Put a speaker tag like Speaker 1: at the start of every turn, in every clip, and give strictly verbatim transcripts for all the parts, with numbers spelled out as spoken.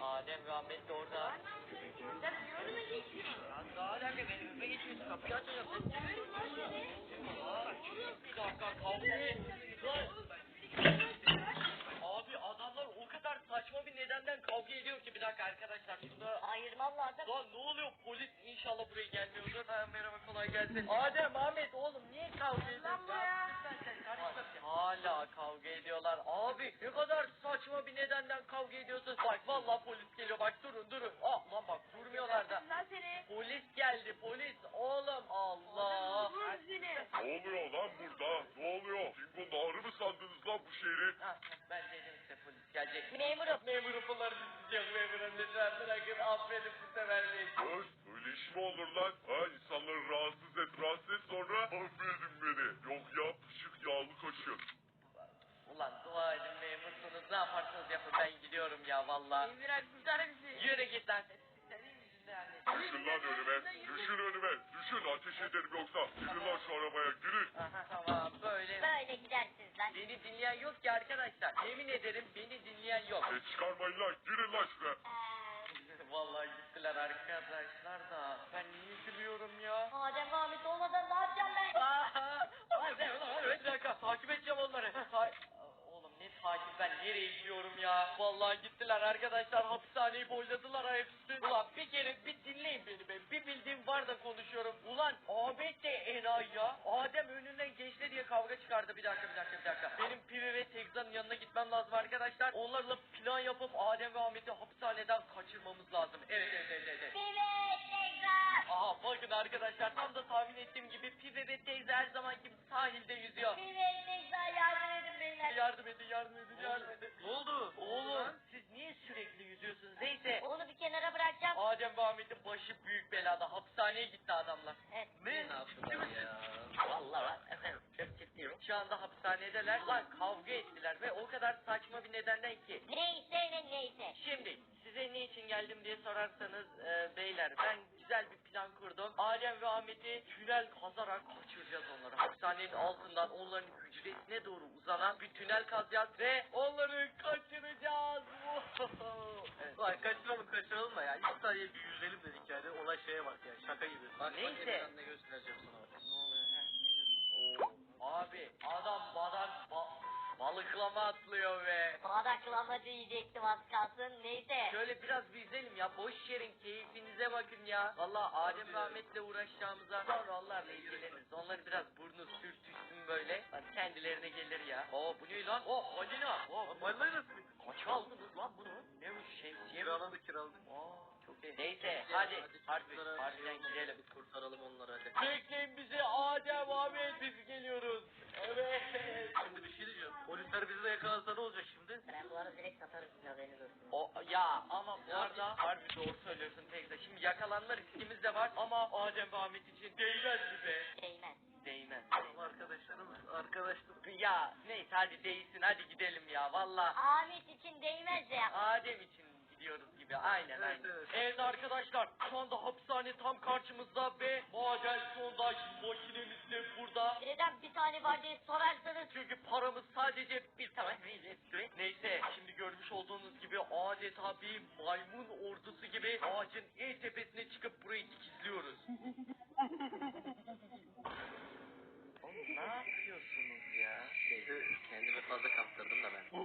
Speaker 1: Adem ve Ahmet de orada.
Speaker 2: Sen önüme geçiyorsun.
Speaker 1: Ya daha nerede benim önüme geçiyorsun? Kapıyı açacağım. Aa, bir dakika kavga ediyorlar. Abi adamlar o kadar saçma bir nedenden kavga ediyor ki bir dakika arkadaşlar şunu
Speaker 2: Ayırmam lazım.
Speaker 1: lan ne oluyor polis inşallah buraya gelmiyordur. Ha, merhaba kolay gelsin. Adem Ahmet oğlum niye kavga ediyorsun ya? Hala kavga ediyorlar. Abi ne kadar saçma bir nedenden kavga ediyorsun. Bak vallahi polis geliyor bak durun durun. Ah lan bak durmuyorlar da.
Speaker 2: Lan seni.
Speaker 1: Polis geldi polis oğlum Allah.
Speaker 2: Vur seni.
Speaker 3: Ne oluyor lan burada? Ne oluyor? Dingo Nahırı mı sandınız lan bu şehri?
Speaker 1: Ha, ben dedim size polis gelecek.
Speaker 2: Memurum.
Speaker 1: Memurum bunları yok memurum lütfen bırakın affedin bu sefer değil.
Speaker 3: Öf, öyle iş mi olur lan? Ha, insanları rahatsız et, rahatsız et sonra affedin beni. Yok ya, pışık yağlı kaşın.
Speaker 1: Ulan dua edin memursunuz ne yaparsanız yapın ben gidiyorum ya valla.
Speaker 2: Emirhan kurtar bizi.
Speaker 1: Yürü git lan. Senin yüzünden.
Speaker 3: Düşün lan önüme, düşün önüme, düşün ateş ederim yoksa. Girin lan şu arabaya, girin.
Speaker 1: Aha tamam böyle.
Speaker 2: Böyle gidersiniz lan.
Speaker 1: Beni dinleyen yok ki arkadaşlar. Yemin ederim beni dinleyen yok.
Speaker 3: Ses çıkarmayın lan, girin lan şuraya.
Speaker 1: Vallahi gittiler arkadaşlar da. Ben niye gülüyorum ya?
Speaker 2: Adem Ahmet olmadan ne yapacağım ben?
Speaker 1: Aha! Hadi ulan bir dakika takip edeceğim onları. Ta Oğlum ne takip ben nereye gidiyorum ya? Vallahi gittiler arkadaşlar hapishaneyi boyladılar ha hepsi. Ulan bir kere bir dinleyin beni be. Bir bildiğim var da konuşuyorum. Ulan Ahmet de enayi ya. Adem önünden geçti diye kavga çıkardı. Bir dakika bir dakika bir dakika. Benim Pivi ve Tegza'nın yanına gitmem lazım arkadaşlar. Onlarla plan yapıp Adem ve Ahmet'i hapishaneden kaçırmamız lazım. Evet evet evet evet.
Speaker 2: Evet tekrar.
Speaker 1: Aha bakın arkadaşlar tam da tahmin ettiğim gibi Pive ve teyze her zaman gibi sahilde yüzüyor.
Speaker 2: Evet tekrar yardım edin beyler.
Speaker 1: Yardım edin yardım edin yardım edin. Ne oldu? Oğlum siz niye sürekli yüzüyorsunuz? Neyse.
Speaker 2: Onu bir kenara bırakacağım.
Speaker 1: Adem ve Ahmet'in başı büyük belada. Hapishaneye gitti adamlar.
Speaker 2: Evet.
Speaker 1: Ne? Ne yaptılar ya? Vallahi efendim çok ciddiyim. Şu anda hapishanedeler. Ulan kavga ettiler ve o kadar saçma bir nedenden ki.
Speaker 2: Neyse ne neyse.
Speaker 1: Şimdi size ne için geldim diye sorarsanız e, beyler ben güzel bir plan kurdum. Adem ve Ahmet'i tünel kazarak kaçıracağız onları. Hapishanenin altından onların hücresine doğru uzanan bir tünel kazacağız ve onları kaçıracağız. Evet.
Speaker 4: Vay kaçıralım kaçıralım da ya. İki saniye bir yüzelim dedik yani. Olay şeye bak ya. Şaka gibi. Bak,
Speaker 1: Neyse.
Speaker 4: Bak, ne göstereceğim sana bak.
Speaker 1: Ne oluyor he? Ne göz- Oo, abi adam badak ba balıklama atlıyor be.
Speaker 2: Badaklama diyecektim az kalsın. Neyse.
Speaker 1: Şöyle biraz bir izleyelim ya. Boş yerin keyfinize bakın ya. Valla Adem ve Ahmet'le uğraşacağımıza sonra onlarla ilgileniriz. Onları biraz burnu sürtüşsün böyle. Hadi kendilerine gelir ya. Oo bu ne lan? Oh Halina. Oh,
Speaker 4: Vallahi nasıl?
Speaker 1: kaç aldınız lan bunu? Ne bu şemsiye mi?
Speaker 4: Kiraladık kiraladık.
Speaker 1: Aa çok iyi. Neyse hadi. Harbi, harbiden gidelim.
Speaker 4: Bir kurtaralım onları hadi.
Speaker 1: Bekleyin bizi Adem Ahmet biz geliyoruz. Evet.
Speaker 4: Şimdi bir şey diyeceğim. Polisler bizi de yakalarsa ne olacak şimdi?
Speaker 2: Ben bu arada direkt satarım sizin haberiniz olsun.
Speaker 1: O ya ama bu arada harbi doğru söylüyorsun teyze. Şimdi yakalanma riskimiz de var ama Adem ve Ahmet için değmez mi be?
Speaker 2: Değmez.
Speaker 1: Değmez.
Speaker 4: Tamam arkadaşlarımız. Arkadaşlar.
Speaker 1: Ya neyse hadi değilsin hadi gidelim ya valla.
Speaker 2: Ahmet için değmez ya.
Speaker 1: Adem için gidiyoruz gibi aynen
Speaker 4: Evet,
Speaker 1: aynen.
Speaker 4: evet.
Speaker 1: Evet arkadaşlar şu anda hapishane tam karşımızda ve maden sondaj makinemiz de burada.
Speaker 2: Neden bir tane var diye sorarsanız.
Speaker 1: Çünkü paramız sadece bir tane etti. Neyse şimdi görmüş olduğunuz gibi adeta bir maymun ordusu gibi ağacın en tepesine çıkıp burayı dikizliyoruz. Oğlum ne yapıyorsunuz ya?
Speaker 4: Kendimi fazla kaptırdım da ben.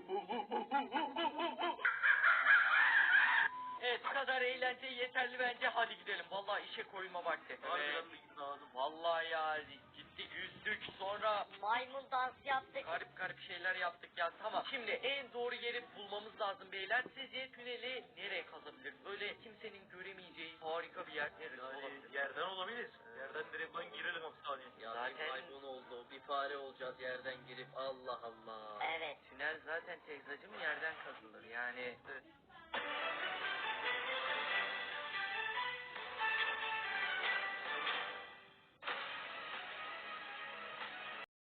Speaker 1: Evet bu kadar eğlence yeterli bence hadi gidelim. Vallahi işe koyulma vakti. Evet.
Speaker 4: Harbiden bir lazım.
Speaker 1: Vallahi ya gittik yüzdük sonra
Speaker 2: Maymun dansı yaptık.
Speaker 1: garip garip şeyler yaptık ya tamam. Şimdi en doğru yeri bulmamız lazım beyler. Sizce tüneli nereye kazabiliriz? Böyle kimsenin göremeyeceği harika bir yer neresi olabilir?
Speaker 4: Yani yerden olabilir. Yerden direkt ben girelim hapishaneye.
Speaker 5: Ya
Speaker 1: Zaten-
Speaker 5: bir maymun oldu, bir fare olacağız yerden girip Allah Allah.
Speaker 2: Evet.
Speaker 1: Tünel zaten teyzacım yerden kazılır yani. Evet.